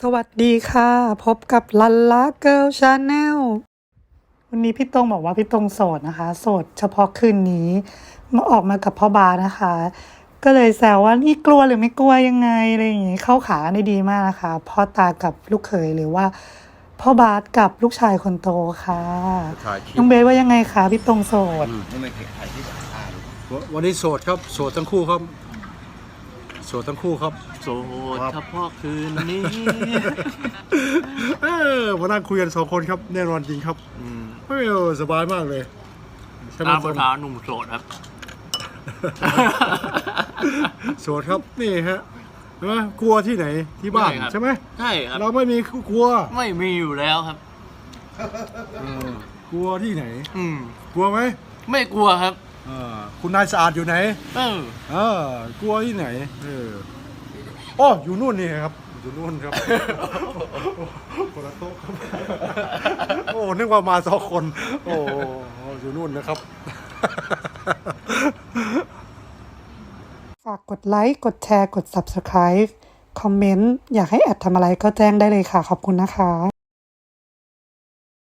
สวัสดีค่ะพบกับลันล่าเกิร์ลชาแนลวันนี้พี่ตงบอกว่าพี่ตงโสดนะคะโสดเฉพาะคืนนี้มาออกมากับพ่อบาสนะคะ ก็เลยแซวว่านี่กลัวหรือไม่กลัวยังไงอะไรอย่างงี้เข้าขาได้ดีมากนะคะพ่อตากับลูกเขยหรือว่าพ่อบาสกับลูกชายคนโตค่ะน้องเบสว่ายังไงคะพี่ตงโสดไม่เคยถ่ายที่สัมภาษณ์วันนี้โสดครับโสดทั้งคู่ครับโสดทั้งคู่ครับโสดเฉพาะคืนนี้มานั่งคุยกันสองคนครับแน่นอนจริงครับสบายมากเลยตามภาษาหนุ่มโสดครับโสดครับนี่ฮะใช่ไหมกลัวที่ไหนที่บ้านไม่ครับใช่ไหมใช่ครับเราไม่มีกลัวไม่มีอยู่แล้วครับกลัวที่ไหนอืมกลัวไหมไม่กลัวครับคุณนายสะอาดอยู่ไหน กลัวที่ไหนอ๋ออยู่นู่นนี่ครับอยู่นู่นครับ คนละโต๊ะครับโอ้นึกว่ามาสองคนโอ้อยู่นู่นนะครับฝากกดไลค์กดแชร์กด Subscribe คอมเมนต์อยากให้แอดทำอะไรก็แจ้งได้เลยค่ะขอบคุณนะคะ